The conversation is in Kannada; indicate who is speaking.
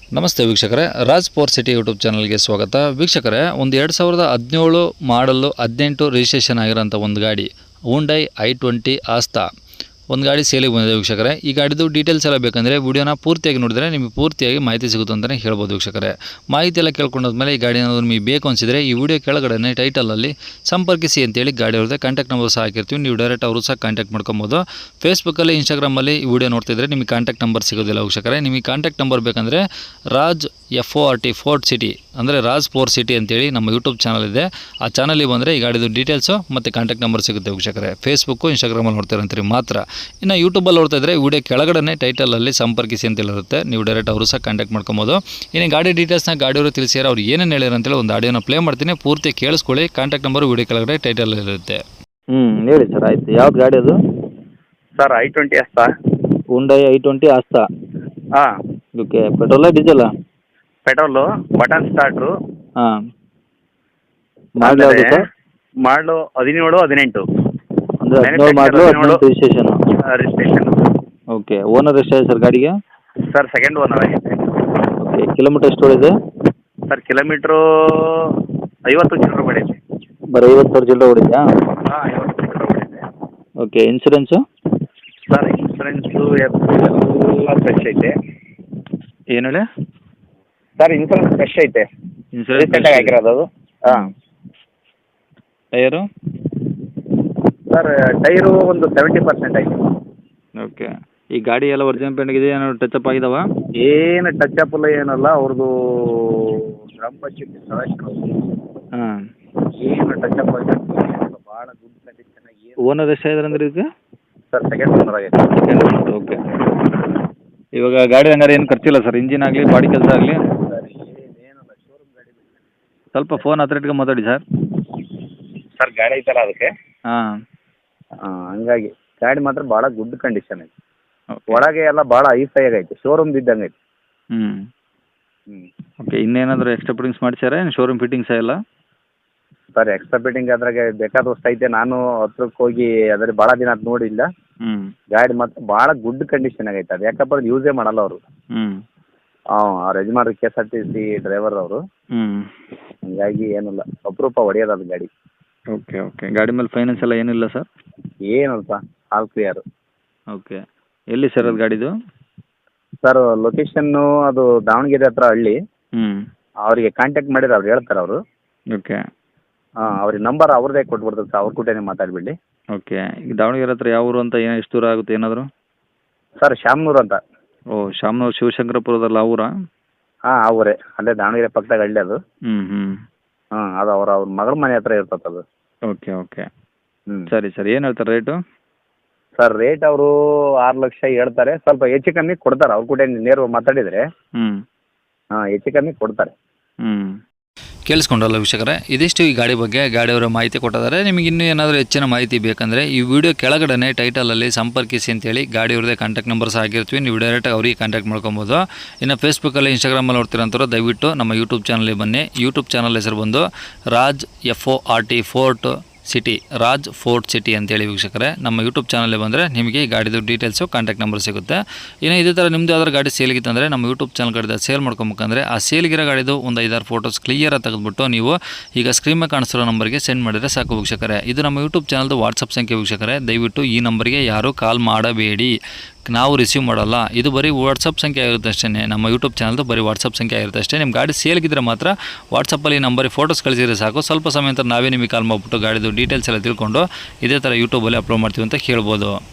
Speaker 1: ನಮಸ್ತೆ ವೀಕ್ಷಕರೇ, ರಾಜ್ ಫೋರ್ಟ್ ಸಿಟಿ ಯೂಟ್ಯೂಬ್ ಚಾನಲ್ಗೆ ಸ್ವಾಗತ. ವೀಕ್ಷಕರೇ, ಒಂದು 2017 ಮಾಡಲು 18 ರಿಜಿಸ್ಟ್ರೇಷನ್ ಆಗಿರೋಂಥ ಒಂದು ಗಾಡಿ ಹುಂಡೈ i20 ಆಸ್ತಾ ಒಂದು ಗಾಡಿ ಸೇಲಿಗೆ ಬಂದಿದೆ ವೀಕ್ಷಕರೇ. ಈ ಗಾಡಿದು ಡೀಟೇಲ್ಸ್ ಎಲ್ಲ ಬೇಕಂದರೆ ವಿಡಿಯೋನ ಪೂರ್ತಿಯಾಗಿ ನೋಡಿದ್ರೆ ನಿಮಗೆ ಪೂರ್ತಿಯಾಗಿ ಮಾಹಿತಿ ಸಿಗುತ್ತೆ ಅಂತಲೇ ಹೇಳ್ಬೋದು ವೀಕ್ಷಕರೇ. ಮಾಹಿತಿ ಎಲ್ಲ ಕೇಳ್ಕೊಂಡಾದ್ಮೇಲೆ ಈ ಗಾಡಿ ಏನಾದರೂ ನಿಮಗೆ ಬೇಕು ಅನಿಸಿದರೆ ಈ ವಿಡಿಯೋ ಕೆಳಗಡೆ ಟೈಟಲಲ್ಲಿ ಸಂಪರ್ಕಿಸಿ ಅಂತೇಳಿ ಗಾಡಿ ಅವ್ರದ್ದೇ ಕಾಂಟ್ಯಾಕ್ಟ್ ನಂಬರ್ ಸಹ ಹಾಕಿರ್ತೀವಿ. ನೀವು ಡೈರೆಕ್ಟ್ ಅವರು ಸಹ ಕಾಂಟ್ಯಾಕ್ಟ್ ಮಾಡ್ಕೊಬೋದು. ಫೇಸ್ಬುಕ್ಕಲ್ಲಿ ಇನ್ಸ್ಟಾಗ್ರಾಮಲ್ಲಿ ಈ ವಿಡಿಯೋ ನೋಡ್ತಿದ್ರೆ ನಿಮಗೆ ಕಾಂಟ್ಯಾಕ್ಟ್ ನಂಬರ್ ಸಿಗೋದಿಲ್ಲ ವೀಕ್ಷಕರೇ. ನಿಮಗೆ ಕಾಂಟ್ಯಾಕ್ಟ್ ನಂಬರ್ ಬೇಕಂದರೆ ರಾಜ್ FORT ಫೋರ್ಟ್ ಸಿಟಿ ಅಂದರೆ ರಾಜ್ ಫೋರ್ಟ್ ಸಿಟಿ ಅಂತೇಳಿ ನಮ್ಮ ಯೂಟ್ಯೂಬ್ ಚಾನಲ್ ಇದೆ. ಆ ಚಾನಲಿಗೆ ಬಂದರೆ ಈ ಗಾಡಿದು ಡೀಟೇಲ್ಸು ಮತ್ತು ಕಾಂಟ್ಯಾಕ್ಟ್ ನಂಬರ್ ಸಿಗುತ್ತೆ ವೀಕ್ಷಕರೇ. ಫೇಸ್ಬುಕ್ಕು ಇನ್ಸ್ಟಾಗ್ರಾಮಲ್ಲಿ ನೋಡ್ತಿರಂತೀರಿ ಮಾತ್ರ. ಇನ್ನು ಯೂಟ್ಯೂಬಲ್ಲಿ ನೋಡ್ತಾ ಇದ್ದರೆ ವಿಡಿಯೋ ಕೆಳಗಡೆ ಟೈಟಲಲ್ಲಿ ಸಂಪರ್ಕಿಸಿ ಅಂತೇಳಿರುತ್ತೆ. ನೀವು ಡೈರೆಕ್ಟ್ ಅವರು ಸಹ ಕಾಂಟ್ಯಾಕ್ಟ್ ಮಾಡ್ಕೊಬೋದು. ಇನ್ನು ಗಾಡಿ ಡೀಟೇಲ್ಸ್ನ ಗಾಡಿಯವರು ತಿಳಿಸಿದ್ದಾರೆ, ಅವ್ರು ಏನೇನು ಹೇಳಿದ್ರು ಅಂತೇಳಿ ಒಂದು ಆಡಿಯೋನ ಪ್ಲೇ ಮಾಡ್ತೀನಿ, ಪೂರ್ತಿ ಕೇಳಿಸ್ಕೊಳ್ಳಿ. ಕಾಂಟ್ಯಾಕ್ಟ್ ನಂಬರ್ ವಿಡಿಯೋ ಕೆಳಗಡೆ ಟೈಟಲಲ್ಲಿ ಇರುತ್ತೆ.
Speaker 2: ಹೇಳಿ ಸರ್. ಆಯಿತು. ಯಾವ್ದು ಗಾಡಿ ಅದು?
Speaker 3: Sir i20 Asta.
Speaker 2: Hyundai i20 Asta.
Speaker 3: ಹಾಂ,
Speaker 2: ಓಕೆ. ಪೆಟ್ರೋಲಾ ಡೀಸೆಲಾ?
Speaker 3: ಪೆಟ್ರೋಲು, ಬಟನ್ ಸ್ಟಾರ್ಟ್ರು.
Speaker 2: ಹಾಂ. ಮಾಡಲ್ ಯಾವುದು ಸರ್?
Speaker 3: ಮಾಡಲು 17, 18
Speaker 2: ಅಂದರೆ 17 ಮಾಡಲು 18 ರಿಜಿಸ್ಟ್ರೇಷನು.
Speaker 3: ರಿಜಿಸ್ಟ್ರೇಷನ್.
Speaker 2: ಓಕೆ. ಓನರ್ ಎಷ್ಟಾಗಿದೆ ಸರ್ ಗಾಡಿಗೆ?
Speaker 3: ಸರ್ ಸೆಕೆಂಡ್ ಓನರ್ ಆಗಿದೆ.
Speaker 2: ಓಕೆ. ಕಿಲೋಮೀಟರ್ ಎಷ್ಟು ಓಡಿದೆ?
Speaker 3: ಸರ್ ಕಿಲೋಮೀಟ್ರು 50 ಚಿಲ್ಲರೆ ಹೊಡೈತೆ.
Speaker 2: ಬರೀ 50,000 ಚಿಲ್ಲರೆ ಓಡಿದೆಯಾ?
Speaker 3: ಹಾಂ, 50 ಚಿಲ್ಲರೆ ಹೊಡೈತೆ.
Speaker 2: ಓಕೆ. ಇನ್ಸೂರೆನ್ಸು?
Speaker 3: ಸರ್ ಇನ್ಸೂರೆನ್ಸು ಎಲ್ಲ ಫ್ರೆಶ್ ಐತೆ.
Speaker 2: ಏನು ಹೇಳಿ?
Speaker 3: ಸರ್ ಇನ್ಸೂರೆನ್ಸ್ ಫ್ರೆಶ್ ಐತೆ. ರೀಸೆಂಟಾಗಿ ಆಗಿರೋದು ಅದು. ಹಾಂ.
Speaker 2: ಟೈರು?
Speaker 3: ಸರ್ ಟೈರು ಒಂದು 70% ಐತೆ.
Speaker 2: ಓಕೆ. ಈ ಗಾಡಿ ಎಲ್ಲ ಒರಿಜಿನಲ್ ಪೇಂಟ್ ಇದೆ, ಏನಾದ್ರು ಟಚ್ ಅಪ್ ಆಗಿದಾವ?
Speaker 3: ಏನು ಟಚ್ ಅಪ್ ಇಲ್ಲ, ಏನಲ್ಲ. ಅವ್ರದ್ದು ಗ್ರಾಮ ಪಂಚಾಯತಿ ಸದಸ್ಯರು.
Speaker 2: ಹಾಂ.
Speaker 3: ಏನು ಟಚ್ ಅಪ್ ಆಗಿದೆ, ಭಾಳ ಗುಡ್ ಕಂಡೀಷನ್ ಆಗಿ.
Speaker 2: ಓನರ್ ಎಷ್ಟಾಗಿದ್ದಾರೆ ಅಂದ್ರೆ ಇದಕ್ಕೆ?
Speaker 3: ಸರ್ ಸೆಕೆಂಡ್ ಓನರ್ ಆಗೈತೆ.
Speaker 2: Second owner. ಓಕೆ. ಇವಾಗ ಗಾಡಿ ಹಂಗಾರೆ ಏನು ಖರ್ಚಿಲ್ಲ ಸರ್? ಇಂಜಿನ್ ಆಗಲಿ, ಬಾಡಿ ಕೆಲಸ ಆಗಲಿ?
Speaker 3: ಸರ್ ಏನಿಲ್ಲ, ಶೋರೂಮ್ ಗಾಡಿ ಬೇಕು.
Speaker 2: ಸ್ವಲ್ಪ ಫೋನ್ ಹತ್ರ ಇಟ್ಕೊಂಡು ಮಾತಾಡಿ ಸರ್.
Speaker 3: ಸರ್ ಗಾಡಿ ಐತಲ್ಲ ಅದಕ್ಕೆ.
Speaker 2: ಹಾಂ.
Speaker 3: ಹಂಗಾಗಿ ಗಾಡಿ ಮಾತ್ರ ಭಾಳ ಗುಡ್ ಕಂಡೀಷನ್ ಐತೆ.
Speaker 2: ಓಕೆ.
Speaker 3: ಒಳಗೆ ಎಲ್ಲ ಭಾಳ ಹೈಫೈ ಆಗೈತೆ, ಶೋರೂಮ್ ಇದ್ದಂಗೆ ಐತೆ.
Speaker 2: ಹ್ಞೂ.
Speaker 3: ಹ್ಞೂ.
Speaker 2: ಓಕೆ. ಇನ್ನೇನಾದರೂ ಎಕ್ಸ್ಟ್ರಾ ಫಿಟ್ಟಿಂಗ್ಸ್ ಮಾಡಿಸ್ಯಾರ ಏನು ಶೋರೂಮ್ ಫಿಟ್ಟಿಂಗ್ಸ್ ಎಲ್ಲ?
Speaker 3: ಸರ್ ಎಕ್ಸ್ಟ್ರಾ ಫಿಟ್ಟಿಂಗ್ ಅದ್ರಾಗೆ ಬೇಕಾದಷ್ಟು ಐತೆ. ನಾನು ಹತ್ರಕ್ಕೆ ಹೋಗಿ ಅದ್ರ ಭಾಳ ದಿನ ಅದು ನೋಡಿಲ್ಲ.
Speaker 2: ಹ್ಞೂ.
Speaker 3: ಗಾಡಿ ಮಾತ್ರ ಭಾಳ ಗುಡ್ ಕಂಡೀಷನ್ ಆಗೈತೆ. ಅದು ಯಾಕಪ್ಪ ಅದು ಯೂಸೇ ಮಾಡಲ್ಲ ಅವರು.
Speaker 2: ಹ್ಞೂ.
Speaker 3: ಅವ್ರು ಯಜಮಾನ್ರು KSRTC ಡ್ರೈವರ್ ಅವರು.
Speaker 2: ಹ್ಞೂ.
Speaker 3: ಹಂಗಾಗಿ ಏನಿಲ್ಲ, ಅಪರೂಪ ಹೊಡೆಯೋದು ಅದು ಗಾಡಿ.
Speaker 2: ಓಕೆ. ಓಕೆ. ಗಾಡಿ ಮೇಲೆ ಫೈನಾನ್ಸ್ ಎಲ್ಲ ಏನಿಲ್ಲ ಸರ್?
Speaker 3: ಏನಲ್ಪ, ಆಲ್ ಕ್ಲಿಯರು.
Speaker 2: ಓಕೆ. ಎಲ್ಲಿ ಸರ್ ಅದು ಗಾಡಿದು?
Speaker 3: ಸರ್ ಲೊಕೇಶನ್ನು ಅದು ದಾವಣಗೆರೆ ಹತ್ರ ಹಳ್ಳಿ.
Speaker 2: ಹ್ಞೂ.
Speaker 3: ಅವರಿಗೆ ಕಾಂಟ್ಯಾಕ್ಟ್ ಮಾಡಿದ್ರೆ ಅವ್ರು ಹೇಳ್ತಾರೆ ಅವರು.
Speaker 2: ಓಕೆ.
Speaker 3: ಹಾಂ, ಅವ್ರಿಗೆ ನಂಬರ್ ಅವ್ರದ್ದೇ ಕೊಟ್ಬಿಡ್ತಾರೆ ಸರ್, ಅವ್ರ ಕೂಟನೇ ಮಾತಾಡಿಬಿಡಿ.
Speaker 2: ಓಕೆ. ಈಗ ದಾವಣಗೆರೆ ಹತ್ರ ಯಾವ ಊರು ಅಂತ, ಏನು ಎಷ್ಟು ದೂರ ಆಗುತ್ತೆ ಏನಾದರೂ?
Speaker 3: ಸರ್ ಶಾಮನೂರು ಅಂತ.
Speaker 2: ಓ, ಶಾಮನೂರು ಶಿವಶಂಕರಪುರದಲ್ಲ ಆ ಊರಾ?
Speaker 3: ಹಾಂ, ಆ ಊರೇ. ಅಲ್ಲೇ ದಾವಣಗೆರೆ ಪಕ್ಕದಾಗ ಹಳ್ಳಿ ಅದು.
Speaker 2: ಹ್ಞೂ. ಹ್ಞೂ.
Speaker 3: ಹಾಂ, ಅದು ಅವ್ರ ಮಗಳ ಮನೆ ಹತ್ರ ಇರ್ತದೆ ಅದು.
Speaker 2: ಓಕೆ. ಓಕೆ.
Speaker 3: ಹ್ಞೂ.
Speaker 2: ಸರಿ ಸರ್. ಏನು ಹೇಳ್ತಾರೆ ರೇಟು?
Speaker 3: ಸರ್ ರೇಟ್ ಅವರು 6 ಲಕ್ಷ ಹೇಳ್ತಾರೆ. ಸ್ವಲ್ಪ ಹೆಚ್ಚು ಕಮ್ಮಿ ಕೊಡ್ತಾರೆ, ಅವ್ರ ಕೂಡ ನೇರವಾಗಿ ಮಾತಾಡಿದರೆ.
Speaker 2: ಹ್ಞೂ.
Speaker 3: ಹಾಂ, ಹೆಚ್ಚು ಕಮ್ಮಿ ಕೊಡ್ತಾರೆ.
Speaker 2: ಹ್ಞೂ.
Speaker 1: ಕೇಳಿಸ್ಕೊಂಡ್ರಲ್ಲ ವೀಕ್ಷಕರೇ, ಇದಿಷ್ಟು ಈ ಗಾಡಿ ಬಗ್ಗೆ ಗಾಡಿಯವರ ಮಾಹಿತಿ ಕೊಟ್ಟಿದ್ದಾರೆ. ನಿಮಗೆ ಇನ್ನೂ ಏನಾದರೂ ಹೆಚ್ಚಿನ ಮಾಹಿತಿ ಬೇಕಂದರೆ ಈ ವಿಡಿಯೋ ಕೆಳಗಡೆ ಟೈಟಲಲ್ಲಿ ಸಂಪರ್ಕಿಸಿ ಅಂತೇಳಿ ಗಾಡಿಯವ್ರದ್ದೇ ಕಾಂಟ್ಯಾಕ್ಟ್ ನಂಬರ್ ಸಹ ಆಗಿರ್ತೀವಿ. ನೀವು ಡೈರೆಕ್ಟಾಗಿ ಅವ್ರಿಗೆ ಕಾಂಟ್ಯಾಕ್ಟ್ ಮಾಡ್ಕೊಬೋದು. ಇನ್ನು ಫೇಸ್ಬುಕ್ಕಲ್ಲಿ ಇನ್ಸ್ಟಾಗ್ರಾಮಲ್ಲಿ ನೋಡ್ತಿರೋಂಥವ್ರು ದಯವಿಟ್ಟು ನಮ್ಮ ಯೂಟ್ಯೂಬ್ ಚಾನಲ್ಗೆ ಬನ್ನಿ. ಯೂಟ್ಯೂಬ್ ಚಾನಲ್ ಹೆಸರು ಬಂದು Raj FORT Fort City, Raj Fort City ಅಂತೇಳಿ ವೀಕ್ಷಕರೇ. ನಮ್ಮ ಯೂಟ್ಯೂಬ್ ಚಾನಲ್ಗೆ ಬಂದರೆ ನಿಮಗೆ ಈ ಗಾಡಿದು ಡೀಟೇಲ್ಸು, ಕಾಂಟ್ಯಾಕ್ಟ್ ನಂಬರ್ ಸಿಗುತ್ತೆ. ಇನ್ನು ಇದೇ ಥರ ನಿಮ್ಮದು ಯಾವ್ದಾದ್ರು ಗಾಡಿ ಸೇಲ್ಗಿತ್ತಂದರೆ ನಮ್ಮ ಯೂಟ್ಯೂಬ್ ಚಾನಲ್ ಕಡೆ ಸೇಲ್ ಮಾಡ್ಕೊಬೇಕಂದ್ರೆ ಆ ಸೇಲ್ಗಿರೋ ಗಾಡಿದು ಒಂದು 5-6 ಫೋಟೋಸ್ ಕ್ಲಿಯರಾಗಿ ತೆಗೆದುಬಿಟ್ಟು ನೀವು ಈಗ ಸ್ಕ್ರೀನ್ ಮೇಲೆ ಕಾಣಿಸ್ತಿರೋ ನಂಬರ್ಗೆ ಸೆಂಡ್ ಮಾಡಿದರೆ ಸಾಕು ವೀಕ್ಷಕರೇ. ಇದು ನಮ್ಮ ಯೂಟ್ಯೂಬ್ ಚಾನಲ್ದು ವಾಟ್ಸಪ್ ಸಂಖ್ಯೆ ವೀಕ್ಷಕರೇ. ದಯವಿಟ್ಟು ಈ ನಂಬರ್ಗೆ ಯಾರೂ ಕಾಲ್ ಮಾಡಬೇಡಿ, ನಾವು ರಿಸೀವ್ ಮಾಡಲ್ಲ. ಇದು ಬರೀ ವಾಟ್ಸಪ್ ಸಂಖ್ಯೆ ಆಗಿರುತ್ತೆ ಅಷ್ಟೇ. ನಮ್ಮ ಯೂಟ್ಯೂಬ್ ಚಾನಲ್ದು ಬರೀ ವಾಟ್ಸಪ್ ಸಂಖ್ಯೆ ಆಗಿರುತ್ತೆ ಅಷ್ಟೇ. ನಿಮ್ಮ ಗಾಡಿ ಸೇಲ್ಗಿದ್ರೆ ಮಾತ್ರ ವಾಟ್ಸಪ್ಪಲ್ಲಿ ನಂಬರಿಗೆ ಫೋಟೋಸ್ ಕಳಿಸಿದ್ರೆ ಸಾಕು. ಸ್ವಲ್ಪ ಸಮಯ ನಂತರ ನಾವೇ ನಿಮಗೆ ಕಾಲ್ ಮಾಡಿಬಿಟ್ಟು ಗಾಡಿದು ಡೀಟೇಲ್ಸ್ ಎಲ್ಲ ತಿಳ್ಕೊಂಡು ಇದೇ ಥರ ಯೂಟ್ಯೂಬಲ್ಲಿ ಅಪ್ಲೋಡ್ ಮಾಡ್ತೀವಿ ಅಂತ ಹೇಳ್ಬೋದು.